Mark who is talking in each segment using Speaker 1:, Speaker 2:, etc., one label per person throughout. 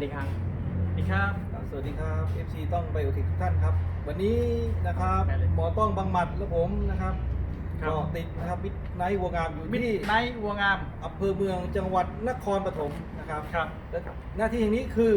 Speaker 1: ดีครับ
Speaker 2: สวัสดีครับ FC ต้องไบโอเทคทุกท่านครับ วันนี้นะครับ
Speaker 1: ได้เลย
Speaker 2: หมอต้องบังหมัดและผมนะครับ
Speaker 1: ครับ
Speaker 2: ก็ติดนะครับมิดไนท์วัวงามอยู่
Speaker 1: มิด
Speaker 2: ที่
Speaker 1: ไนท์วัวงาม
Speaker 2: อำเภอเมืองจังหวัดนครปฐมนะครับ
Speaker 1: ครับ
Speaker 2: และหน้าที่แห่งนี้คือ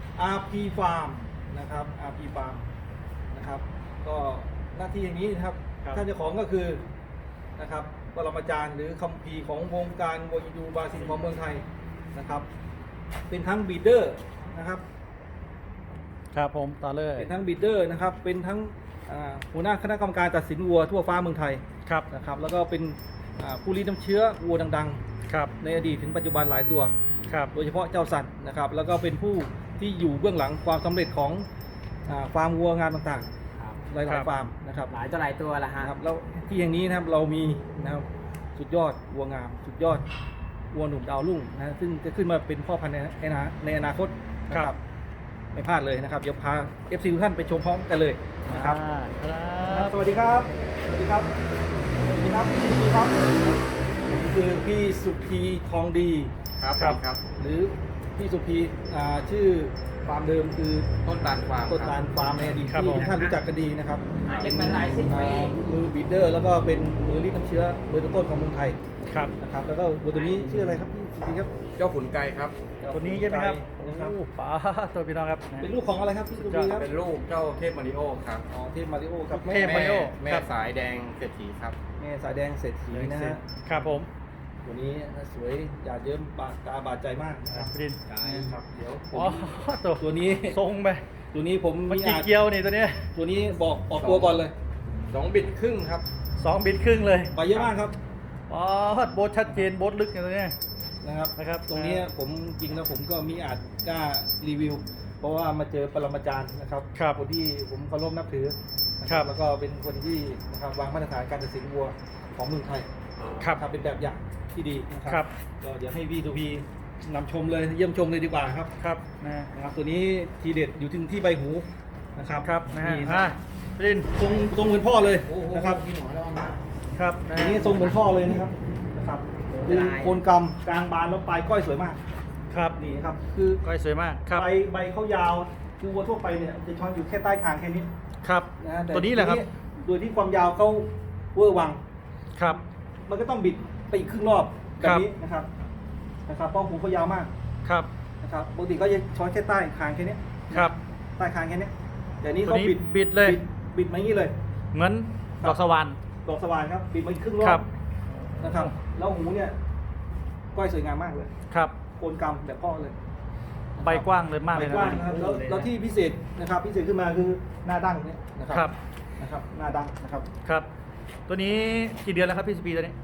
Speaker 2: RP Farm นะครับ RP Farm นะครับก็หน้าที่แห่งนี้นะครับ
Speaker 1: ครับ
Speaker 2: ท่านเจ้าของก็คือนะครับปรมาจารย์หรือคัมภีร์ของวงการวัวอินดูบราซิลของเมืองไทยนะครับ เป็นทั้งบีดเดอร์นะครับ
Speaker 1: ครับผมต่อเลย
Speaker 2: เป็นทั้งบีดเดอร์นะครับ เป็นทั้งหัวหน้าคณะกรรมการตัดสินวัวทั่วฟ้าเมืองไทย
Speaker 1: ครับ
Speaker 2: นะครับ แล้วก็เป็นผู้รีดน้ำเชื้อวัวดัง
Speaker 1: ครับ
Speaker 2: ๆ ในอดีตถึงปัจจุบันหลายตัว
Speaker 1: ครับ
Speaker 2: โดยเฉพาะเจ้าสันนะครับ แล้วก็เป็นผู้ที่อยู่เบื้องหลังความสำเร็จของฟาร์มวัวงานต่าง
Speaker 3: ครับ
Speaker 2: ๆ หลายๆฟาร์มนะครับ
Speaker 3: หลายต่อหลายตัวละฮะ
Speaker 2: นะครับ แล้วที่อย่างนี้นะครับเรามีนะครับสุดยอดวัวงาม สุดยอดวัวหนุ่มดาวรุ่งนะซึ่งจะขึ้นมาเป็นพ่อพันธุ์ในอนาคตนะครับ ไม่พลาดเลยนะครับ เดี๋ยวพา FC ทุกท่านไปชมพร้อมกันเลยนะครับ
Speaker 1: ครับ
Speaker 2: สวัสดีครับ สวัสดีครับ สวัสดีครับพี่สุพีครับนี่คือพี่สุพีทองดี
Speaker 4: ครับครับ
Speaker 2: หรือพี่สุพีชื่อฟาร์มเดิมคือ
Speaker 4: ต้นตาลฟาร์ม
Speaker 2: ต้น
Speaker 4: ค
Speaker 2: ตา
Speaker 4: รับ
Speaker 2: ลฟาร์มในอดีต
Speaker 1: ครับ
Speaker 2: ที่
Speaker 1: ผม
Speaker 2: ทุกท่านรู้จักกันดีนะครับ
Speaker 3: เล่นมาหลายสิบปี
Speaker 2: มือบีดเดอร์ แล้วก็เป็นมือรีดน้ำเชื้อเบอร์ต้นๆของเมืองไทย
Speaker 1: ครับ
Speaker 2: นะครับ แล้วก็วัวตัวนี้ชื่ออะไรครับพี่สุพีครับ
Speaker 4: เจ้าขุนไก่ครับ
Speaker 1: คนนี้ใช่ไหมครับ
Speaker 2: นะครับ
Speaker 1: โอ้ป๋าตัวพี่น้องครับ
Speaker 2: เป็นลูกของอะไรครับพี่สุพีครับ
Speaker 4: เป็นลูกเจ้าเทพมาริโอครับ
Speaker 2: อ๋อเทพมาริโอครับ
Speaker 1: เทพ มาริโอ
Speaker 4: แม่
Speaker 1: ครับ
Speaker 4: สายแดงเศรษฐีครับ
Speaker 2: แม่สายแดงเศรษฐีนะฮะ
Speaker 1: ครับผม
Speaker 2: ตัวนี้สวยหยาดเยิ้มตาบาดใจมากนะครับ
Speaker 1: ดิน
Speaker 2: ครับเดี๋ยวผ
Speaker 1: อ๋อ
Speaker 2: ม
Speaker 1: ตัว
Speaker 2: ตัวนี้
Speaker 1: ทรงไป
Speaker 2: ตัวนี้ผม
Speaker 1: มัน
Speaker 2: มี
Speaker 1: กี่
Speaker 2: อาจ
Speaker 1: เกียวนี่ตัวเนี้ย
Speaker 2: ตัวนี้บอกออกตัวก่อนเลย
Speaker 4: 2 บิตครึ่งครับ
Speaker 1: 2 บิตครึ่งเลย
Speaker 2: ไปเยอะมากครับ
Speaker 1: อ๋อโบทชัดเจนโบทลึกอย่างตัวเนี้ย
Speaker 2: นะครับ
Speaker 1: นะครับ
Speaker 2: ตรงนี้ผมจริงแล้วผมก็มีอาจกล้ารีวิว เพราะว่ามาเจอปรมาจารย์นะครับ
Speaker 1: ครับ
Speaker 2: คนที่ผมเคารพนับถือนะครับ แล้วก็เป็นคนที่นะครับวางมาตรฐานการตัดสินวัวของเมืองไทย
Speaker 1: ครับ
Speaker 2: ครับเป็นแบบอย่างที่ดีนะค
Speaker 1: ครั
Speaker 2: รับ ก็เดี๋ยวให้พี่ตูพีนำชมเลยเยี่ยมชมเลยดีกว่าครับ
Speaker 1: ครับนะ
Speaker 2: นะครับตัวนี้ทีเด็ดอยู่ที่ใบหูนะครับ
Speaker 1: ครับนะฮะ
Speaker 2: นี่
Speaker 1: อ่ะดิน
Speaker 2: ทรงเหมือนพ่อเลยนะครับ
Speaker 1: ครับนะ
Speaker 2: อันนี้ทรงเหมือนพ่อเลยนะครับคือโคนกำกลางบานแล้วปลายก้อยสวยมาก
Speaker 1: ครับ
Speaker 2: นี่ครับคือ
Speaker 1: ก้อยสวยมากครับ
Speaker 2: ใบเขายาวคือวัวทั่วไปเนี่ยจะช้อนอยู่แค่ใต้คางแค่นี้
Speaker 1: ครับ
Speaker 2: นะแต่
Speaker 1: ตัวนี้แหละครับ
Speaker 2: โดยที่ความยาวเขาเวอร์วัง
Speaker 1: ครับ
Speaker 2: มันก็ต้องบิดไปอีกครึ่งรอบแบ
Speaker 1: ครับ บ
Speaker 2: นี้นะครับเพราะหูเขายาวมาก
Speaker 1: ครับ
Speaker 2: นะครับปกติก็จะช้อนแค่ใต้คางแค่นี้
Speaker 1: ครับ
Speaker 2: ใต้คางแค่นี้แต่นี้
Speaker 1: ตัว
Speaker 2: เขา
Speaker 1: นี้
Speaker 2: บิด
Speaker 1: เลย
Speaker 2: บิดมาอย่างนี้เลย
Speaker 1: เหมือน
Speaker 2: ครับ
Speaker 1: ดอกสวรรค์
Speaker 2: ดอกสว่านครับบิดมาอีกครึ่งรอ
Speaker 1: ครับ บ
Speaker 2: นะครับแล้วหูเนี่ยก้อยสวยงามมากเลย
Speaker 1: ครับ
Speaker 2: โคนกำแบบพ่อเลย
Speaker 1: ใบกว้างเลยมาก
Speaker 2: ใบ
Speaker 1: เลยนะ
Speaker 2: กว้างนะครับแล้วที่พิเศษนะครับพิเศษขึ้นมาคือหน้าดั้งเนี่ยนะค
Speaker 1: ครั
Speaker 2: รับ นะครับหน้าดั้งนะครับ
Speaker 1: ครับ ตัวนี้กี่เดือนแล้วครับพี่สปีตัวนี้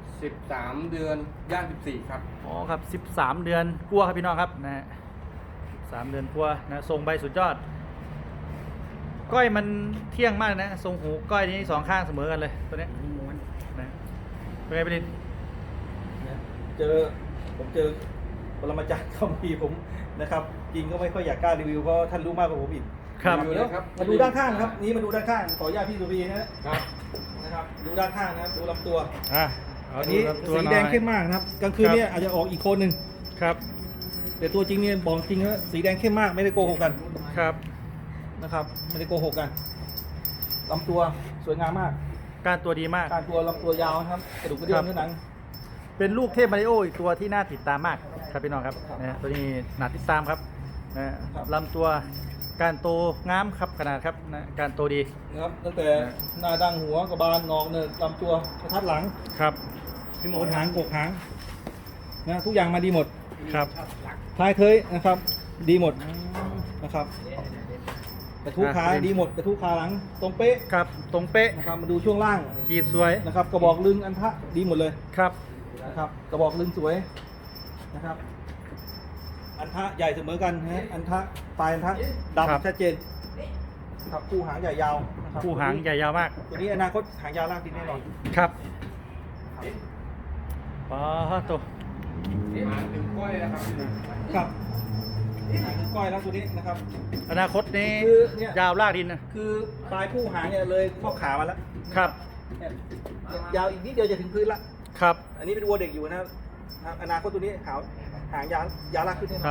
Speaker 4: 13 เดือนย่าง14 ครับ
Speaker 1: อ๋อครับ13 เดือนกลัวครับพี่น้องครับนะฮะ3 เดือนกลัวนะทรงใบสุดยอด ก้อยมันเที่ยงมากนะทรงหูก้อยนี้สองข้างเสมอกันเลยตัวเนี้ย
Speaker 3: ม้วน
Speaker 1: นะเป็นไงพี่ดิน
Speaker 2: เนี่ยผมเจอปรมาจารย์คัมภีร์ผมนะครับจริงก็ไม่ค่อยอยากกล้ารีวิวเพราะท่านรู้มากกว่าผมอีก
Speaker 1: ครับ
Speaker 4: รีวิว
Speaker 2: เดี๋ยว
Speaker 4: ครับ
Speaker 2: มาดูด้านข้างครับนี่มาดูด้านข้างขออนุญาตพี่สุรีนะครับ นะครับดูด้านข้างนะครับดูลำตัว
Speaker 1: อ่ะ
Speaker 2: อันนี้
Speaker 1: ดู
Speaker 2: สี
Speaker 1: ลำตัว
Speaker 2: แดง
Speaker 1: หน่อย
Speaker 2: เข้มมากนะครับกลางคืนเนี่ยอาจจะออกอีกโคนหนึ่ง
Speaker 1: ครับ
Speaker 2: แต่ตัวจริงเนี่ยบอกจริงว่าสีแดงเข้มมากไม่ได้โกหกกัน
Speaker 1: ครับ
Speaker 2: นะครับไม่ได้โกหกกันลำตัวสวยงามมาก
Speaker 1: การตัวดีมาก
Speaker 2: การตัวลำตัวยาวนะครับกระดูกกระเดื่องเนื้อหนัง
Speaker 1: เป็นลูกเทพมาริโออีกตัวที่น่าติดตามมากครับพี่น้องครับ
Speaker 2: ครับ
Speaker 1: นะตัวนี้น่าติดตามครับนะครับ ลำตัวการโตงามครับขนาดครับนะการโตดี
Speaker 2: นะครับตั้งแต่หน้าดั้งหัวกระบาลงอกเนินลำตัวกระทัดหลัง
Speaker 1: ครับ
Speaker 2: โคนหางกกหางนะทุกอย่างมาดีหมด
Speaker 1: ครับ
Speaker 2: ท้ายเคยนะครับ ดีหมดนะครับกระทุ้ขาดีหมดกระทุ้ขาหลังตรงเป๊ะ
Speaker 1: ครับตรงเป๊ะ
Speaker 2: นะครับมาดูช่วงล่าง
Speaker 1: ขีดสวย
Speaker 2: นะครับกระบอกลึงอันทะดีหมดเลย
Speaker 1: ครับ
Speaker 2: นะครับกระบอกลึงสวยนะครับ อันทะใหญ่เสมอกันนะฮะอันทะปลายอันทะดำชัดเจนครับคู่หางใหญ่ยาวนะครับ
Speaker 1: คู่หางใหญ่ยาวมาก
Speaker 2: ตัวนี้อนาคตหางยาวลากดินแน่นอน
Speaker 1: ครับปาตัว
Speaker 4: มาถึงกล้วยนะครับ
Speaker 2: ครับหางก้อยแล้วตัวนี้นะครับ
Speaker 1: อนาคตนี้
Speaker 2: คือเนี่ย
Speaker 1: ยาวลากดินนะ
Speaker 2: คือปลายคู่หางเนี่ยเลยข้อขามาแล้ว
Speaker 1: ครับ
Speaker 2: เนี่ยยาวอีกนิดเดียวจะถึงพื้นละ
Speaker 1: ครับ
Speaker 2: อันนี้เป็นวัวเด็กอยู่นะครับอนาคตตัวนี้หางยาวลากขึ้นแน่นอน
Speaker 1: ครับ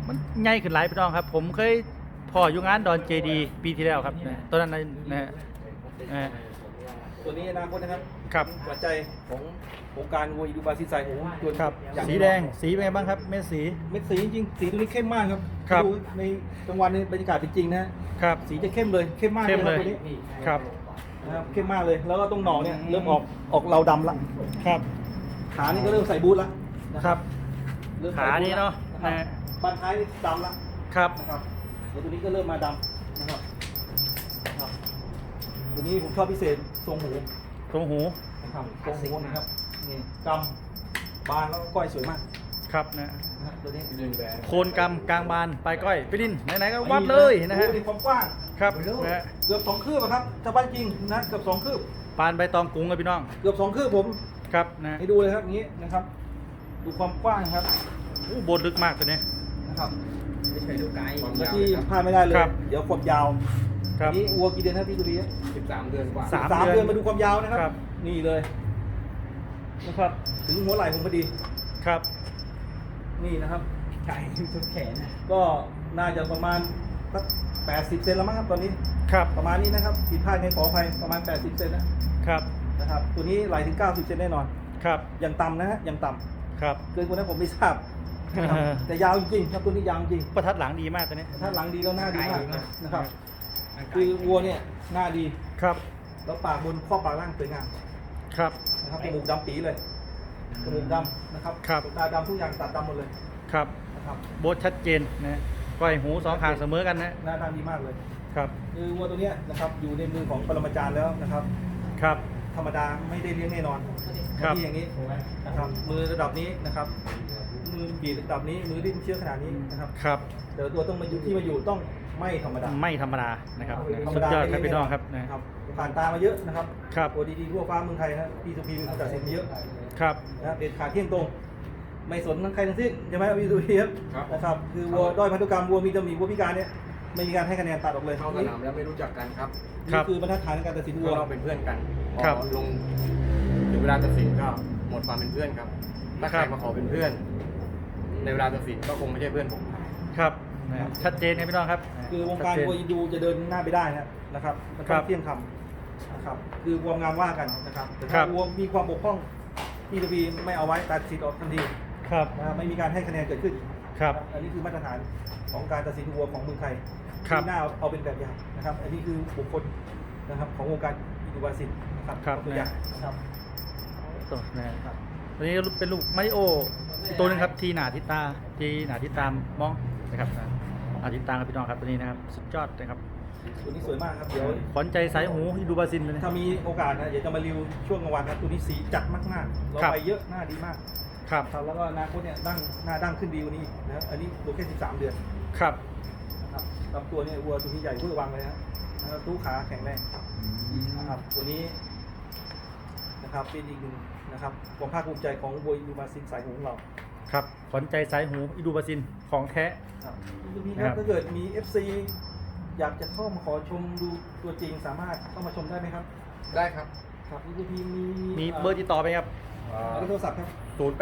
Speaker 1: มันใหญ่ขึ้นหลายพี่น้องครับ ผมเคยพออยู่งานดอนเจดีปีที่แล้วครับนะตอนนั้นนะฮะนะฮะ
Speaker 2: ตัวนี้อนาคตนะครับ
Speaker 1: ครับ
Speaker 2: หัวใจของโครงการวัวอินดูบราซิลสายหูตัว
Speaker 1: ครับ
Speaker 2: อย่าง
Speaker 1: สีแดงสีเป็นไงบ้างครับเม็ดสี
Speaker 2: เม็ดสีจริงๆสีตัวนี้เข้มมากครับ
Speaker 1: ครับ
Speaker 2: ดูในกลางวันในบรรยากาศเป็นจริงนะฮะ
Speaker 1: ครับ
Speaker 2: สีจะเข้มเลยเข้มมาก
Speaker 1: เข้มเลย
Speaker 2: ตัวนี้
Speaker 1: ครับ
Speaker 2: นะครับเข้มมากเลยแล้วก็ตรงหนองเนี่ยเริ่มออกเราดำละ
Speaker 1: ครับ
Speaker 2: ขานี่ก็เริ่มใส่บูทละนะครับ เริ่มใส่
Speaker 1: ขา
Speaker 2: บูท
Speaker 1: นี่เนาะ
Speaker 2: ครับ
Speaker 1: นะ
Speaker 2: บันท้ายนี่ดำละ
Speaker 1: ครับ
Speaker 2: นะครับแล้วตัวนี้ก็เริ่มมาดำนะครับนะครับตัวนี้ผมชอบพิเศษทรงหู
Speaker 1: ตรงหู
Speaker 2: นะครับทรงหูนะครับนี่กำบานแล้วก็ก้อยสวยมาก
Speaker 1: ครับนะ
Speaker 2: นะครับตัวนี้
Speaker 4: ดึงแบน
Speaker 1: โคนกำกลางบานปลายก้อยไปดินไหนๆก็วัดเลยนะฮะ
Speaker 2: ดูดิความกว้าง
Speaker 1: ครับนะฮะ
Speaker 2: เกือบ2 คืบอะครับถ้าบ้านจริงนะเกือบ2 คืบ
Speaker 1: ปานใบตองกุ้งเลยพี่น้อง
Speaker 2: เกือบ2 คืบผม
Speaker 1: ครับนะ
Speaker 2: ให้ดูเลยครับอย่างนี้นะครับ ดูความกว้างครับ
Speaker 1: อู้โบนลึกมากตัวนี้
Speaker 2: นะครับ
Speaker 3: ไม่เคยดูไกล
Speaker 4: ความ
Speaker 2: และ
Speaker 4: ยาว
Speaker 2: ที่
Speaker 4: ครับ
Speaker 2: พลาดไม่ได้เลย
Speaker 1: ครับ
Speaker 2: เดี๋ยวความยาว
Speaker 1: ครับ
Speaker 2: อันนี้วัวกี่เดือนครับพี่ตุลี
Speaker 4: 13 เดือนกว่า
Speaker 1: สาม
Speaker 2: 3 เดือนมาดูความยาวนะครับ
Speaker 1: ครับ
Speaker 2: นี่เลยนะครับถึงหัวไหล่ผมพอดี
Speaker 1: ครับ
Speaker 2: นี่นะครับ
Speaker 3: ไกลทุกแขน
Speaker 2: ก็น่าจะประมาณสัก80 เซนแล้วมั้งครับตอนนี้
Speaker 1: ครับ
Speaker 2: ประมาณนี้นะครับผิดพลาดไงขออภัยประมาณ80 เซนนะครับตัวนี้ไหลถึง90 เซนแน่นอน
Speaker 1: ครับ
Speaker 2: อย่างต่ำนะฮะอย่างต่ำ
Speaker 1: ครับ
Speaker 2: เกินกว่านั้นผมไม่ทราบนะครับแต่ยาวจริงๆครับตัวนี้ยาวจริง
Speaker 1: ประทัดหลังดีมากตัวนี้
Speaker 2: ถ้าหลังดีแล้วหน้าดีมากนะครับคือวัวเนี่ยหน้าดี
Speaker 1: ครับ
Speaker 2: แล้วปากบนข้อปากล่างสวยงาม
Speaker 1: ครับ
Speaker 2: นะครับจมูกดำปีเลยจมูกดำนะครับ
Speaker 1: ครับ
Speaker 2: ขนตาดำทุกอย่างตัดดำหมดเลย
Speaker 1: ครับ
Speaker 2: นะครับ
Speaker 1: โบทชัดเจนนะก้อยหูสองข้างเสมอกันนะ
Speaker 2: หน้าตาดีมากเลย
Speaker 1: ครับ
Speaker 2: คือวัวตัวเนี้ยนะครับอยู่ในมือของปรมาจารย์แล้วนะครับ
Speaker 1: ครับ
Speaker 2: ธรรมดาไม่ได้เลี้ยงแน่นอน
Speaker 1: ครับ
Speaker 2: ที่อย่างนี้นะครับมือระดับนี้นะครับมือบีบระดับนี้มือดิ้นเชื้อขนาดนี้นะครับ
Speaker 1: ครับ
Speaker 2: แต่ละตัวต้องมาอยู่ที่มาอยู่ต้องไม่ธรรมดา
Speaker 1: ไม่ธรรมดานะครับ
Speaker 2: ธรร
Speaker 1: สุ
Speaker 2: ม
Speaker 1: ด
Speaker 2: ดาย
Speaker 1: อดครับ
Speaker 2: ไม่
Speaker 1: พี่น้องครับ
Speaker 2: แน่
Speaker 1: นะ
Speaker 2: ครับผ่านตามาเยอะนะครับ
Speaker 1: ครับ
Speaker 2: ตัวดีๆทั่วฟ้าเมืองไทยนะพี่สุพีมีคนตัดสินมาเยอะ
Speaker 1: ครับ
Speaker 2: นะครับเด็ดขาดเที่ยงตรง ไม่สนทั้งใครทั้งสิ้นใช่ไหมพี่สุพีครับ
Speaker 4: ครับ
Speaker 2: นะครับคือวัวด้อยพันธุกรรมวัวมีตำหนิวัวพิการเนี่ยไม่มีการให้คะแนนตัดออกเลย
Speaker 4: เข้าสนามแล้วไม่รู้จักกันครับ
Speaker 1: ครั
Speaker 2: นี่
Speaker 1: บ
Speaker 2: คือบรรทัดฐานในการตัดสิน
Speaker 4: พ
Speaker 2: วั
Speaker 4: ว
Speaker 2: ว
Speaker 4: กเราเป็นเพื่อนกันพ
Speaker 1: ครับ
Speaker 4: อลงถึงเวลาตัดสินก็หมดความเป็นเพื่อนครับ ถ้าใครมาขอเป็นเพื่อน ในเวลาตัดสินก็คงไม่ใช่เพื่อนผม
Speaker 1: ครับนะชัดเจนครับพี่น้องครับ
Speaker 2: คือวงการ
Speaker 1: ชัดเจน
Speaker 2: วัวยินดูจะเดินหน้าไปได้นะครับมัน
Speaker 1: ครั
Speaker 2: ต้อบ งเที่ยงธรรมนะครับคือวัวงามว่ากันนะครับแต่
Speaker 1: ครั
Speaker 2: ถ้า
Speaker 1: บ
Speaker 2: วัวมีความบกพร่องพี่สุพีไม่เอาไว้ตัดสินออกทันที
Speaker 1: ครับ
Speaker 2: นะครับไม่มีการให้คะแนนเกิดขึ้น
Speaker 1: ครับ
Speaker 2: อันนี้คือมาตรฐานของการตัดสินวัวของเมืองไทย
Speaker 1: ครับ
Speaker 2: ที่น่าเอาเป็นแบบอย่างนะครับ อันนี้คือบุคคลนะครับของวงการอินดูบาซินนะครับ
Speaker 1: ครับ
Speaker 2: ตัวอย่างนะครับ
Speaker 1: ตัวนะครับตัวนี้เป็นลูกมาริโออีกตัวหนึงครับทีหนาทิตาทีหนาทิตามมองนะครับอาทิตามครับพี่น้องครับตัวนี้นะครับสุดยอดนะครับ
Speaker 2: ตัวนี้สวยมากครับเดี๋ยว
Speaker 1: ขวัญใจสายหูที่ดูบราซิลเลยนะ
Speaker 2: ถ้ามีโอกาสนะเดี๋ยวจะมารีวิวช่วงกลางวันนะตัวนี้สีจัดมากๆเรา
Speaker 1: ครับ
Speaker 2: ไปเยอะหน้าดีมาก
Speaker 1: ครับ
Speaker 2: ครับแล้วก็อนาคตเนี่ยหน้าดั้งขึ้นดีกว่านี้นะครับอันนี้ตัวแค่13 เดือน
Speaker 1: ครับ
Speaker 2: นะครับลำตัวเนี่ยวัวตัวนี้ใหญ่เวอร์วังเลยนะครับตู้ขาแข็งแรงนะครับตัวนี้นะครับเป็นอีกหนึ่งนะครับความภาคภูมิใจของวัวอินดูบาซินสายหูของเรา
Speaker 1: ครับขวัญใจสายหูอีดูบราซิลของแท้
Speaker 2: ครับพี่
Speaker 1: นะค
Speaker 2: ค
Speaker 1: รั
Speaker 2: รับ บถ้าเกิดมี FC อยากจะเข้ามาขอชมดูตัวจริงสามารถเข้ามาชมได้ไหมครับ
Speaker 4: ได้ครับ
Speaker 2: ครับพี่มี
Speaker 1: มีเบอร์ติดต่อไหมครับ
Speaker 2: เบอร์โทรศัพท์ครับ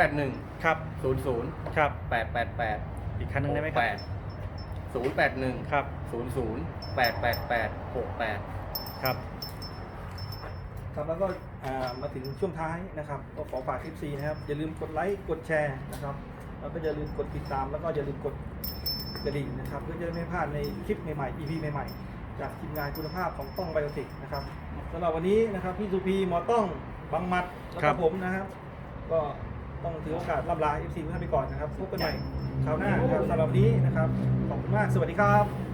Speaker 4: 081
Speaker 1: ครับ
Speaker 4: 00
Speaker 1: ครับ
Speaker 4: 888
Speaker 1: อีกคันหนึงได้ไหมครับ
Speaker 4: 081
Speaker 1: ครับ
Speaker 4: 00 888 68
Speaker 1: ครับ
Speaker 2: ครับแล้วก็มาถึงช่วงท้ายนะครับก็ขอฝาก FC นะครับอย่าลืมกดไลค์กดแชร์นะครับแล้วก็อย่าลืมกดติดตามแล้วก็อย่าลืมกดกระดิ่งนะครับเพื่อจะได้ไม่พลาดในคลิปใหม่ๆ EP ใหม่ๆจากทีมงานคุณภาพของต้องไบโอติกนะครับสำหรับวันนี้นะครับพี่สุพีหมอต้องบังมัดแล้ว
Speaker 1: ครั
Speaker 2: ก็
Speaker 1: บ
Speaker 2: ผมนะครับ ก็ต้องถือโอกาสล่ำลา FC ทุกท่านไปก่อนนะครับพบกันใหม่คราวหน้านะครับสำหรับวันนี้นะครับขอบคุณมากสวัสดีครับ